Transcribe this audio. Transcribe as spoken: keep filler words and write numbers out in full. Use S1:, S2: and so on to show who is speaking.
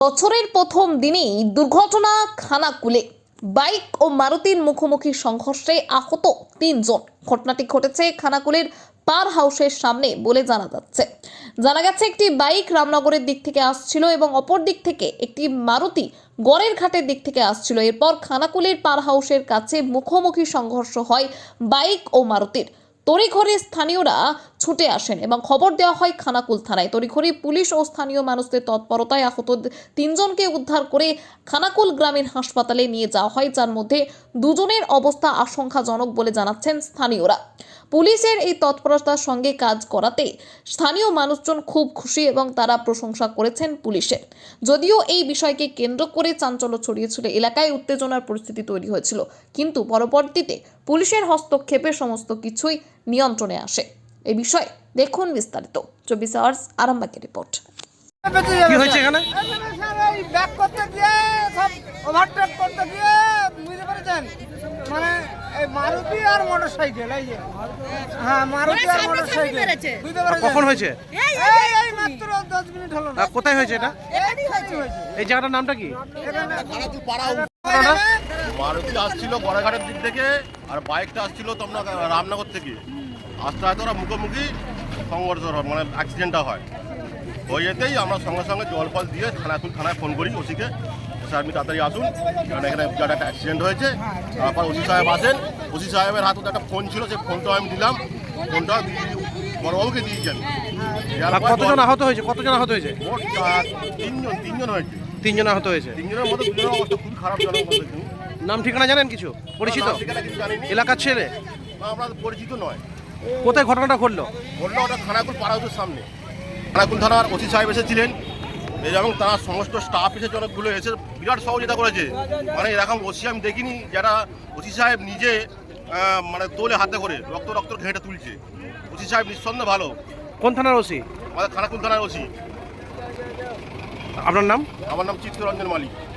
S1: বছরের প্রথম দিনেই দুর্ঘটনা খানাকুলে। বাইক ও মারুতির মুখোমুখি সংঘর্ষে আহত তিনজন। ঘটনাটি ঘটেছে খানাকুলের পার হাউসের সামনে বলে জানা যাচ্ছে। জানা গেছে একটি বাইক রামনগরের দিক থেকে আসছিল এবং অপর দিক থেকে একটি মারুতি গড়ের ঘাটের দিক থেকে আসছিল। এরপর খানাকুলের পার হাউসের কাছে মুখোমুখি সংঘর্ষ হয় বাইক ও মারুতির। তড়িঘড়ি স্থানীয়রা ছুটে আসেন এবং খবর দেওয়া হয় খানাকুল থানায়। তড়িঘড়ি পুলিশ ও স্থানীয় মানুষদের তৎপরতায় আহত তিনজনকে উদ্ধার করে খানাকুল গ্রামীণ হাসপাতালে নিয়ে যাওয়া হয়, যার মধ্যে দুজনের অবস্থা আশঙ্কাজনক বলে জানাচ্ছেন স্থানীয়রা। পুলিশের এই তৎপরতার সঙ্গে কাজ করাতে স্থানীয় মানুষজন খুব খুশি এবং তারা প্রশংসা করেছেন পুলিশের। যদিও এই বিষয়কে কেন্দ্র করে চাঞ্চল্য ছড়িয়েছিল, এলাকায় উত্তেজনার পরিস্থিতি তৈরি হয়েছিল, কিন্তু পরবর্তীতে পুলিশের হস্তক্ষেপে সমস্ত কিছুই নিয়ন্ত্রণে আসে। এই বিষয়ে দেখুন বিস্তারিত চব্বিশ আওয়ার্স আরামবাগের রিপোর্ট।
S2: কি হয়েছে এখানে?
S3: ব্যাক করতে গিয়ে সব ওভারটেক করতে গিয়ে বুঝতে পেরেছেন, মানে এই মারুতি আর মোটরসাইকেল, এই যে হ্যাঁ মারুতি আর মোটরসাইকেল বুঝতে পেরেছেন।
S2: কখন হয়েছে?
S3: এই এই মাত্র দশ মিনিট হলো না।
S2: আহ, কোথায় হয়েছে এটা?
S3: এখানেই হয়েছে হয়েছে
S2: এই জায়গাটার নামটা কি?
S3: এখানে
S4: মারুতি আসছিল গড়াঘাটের দিক থেকে আর বাইকটা আসছিল তোমরা রামনগর থেকে। আস্তে আস্তে ওরা মুখোমুখি সংঘর্ষ হয়, মানে অ্যাক্সিডেন্টটা হয়। হয়ে যেতেই আমরা সঙ্গে সঙ্গে জল ফল দিয়ে খানাকুল থানায় ফোন করি ওসিকে, স্যার আপনি তাড়াতাড়ি আসুন, কারণ এখানে বিরাট একটা অ্যাক্সিডেন্ট হয়েছে। তারপর ওসি সাহেব আসেন, ওসি সাহেবের হাতে একটা ফোন ছিল, সেই ফোনটাও আমি দিলাম, ফোনটা বড়বাবুকে দিয়েছেন।
S2: আর কতজন আহত হয়েছে? কতজন আহত হয়েছে?
S4: মোট চার তিনজন তিনজন হয়েছে।
S2: তিনজন আহত হয়েছে।
S4: তিনজনের মধ্যে দুজনের অবস্থা খুবই খারাপ জনক বলতে কিন্তু
S2: নাম ঠিকানা জানেন কিছু? পরিচিত
S4: কিছু জানিনি,
S2: এলাকার ছেলে?
S4: আমরা পরিচিত নয়।
S2: কোথায় ঘটনাটা ঘটলো?
S4: বললো ওটা খানাকুল পাড়াউতের সামনে। খানাকুল থানার ওসি সাহেব এসেছিলেন এবং তার সমস্ত স্টাফ এসে অনেকগুলো এসে বিরাট সহযোগিতা করেছে। মানে এরকম ওসি আমি দেখিনি, যারা ওসি সাহেব নিজে আহ, মানে তোলে হাতে করে রক্ত রক্ত ঘেঁটে তুলছে। ওসি সাহেব নিঃসন্দেহে ভালো।
S2: কোন থানার ওসি?
S4: আমাদের খানাকুল থানার ওসি।
S2: আপনার নাম?
S4: আমার নাম চিত্তরঞ্জন মালিক।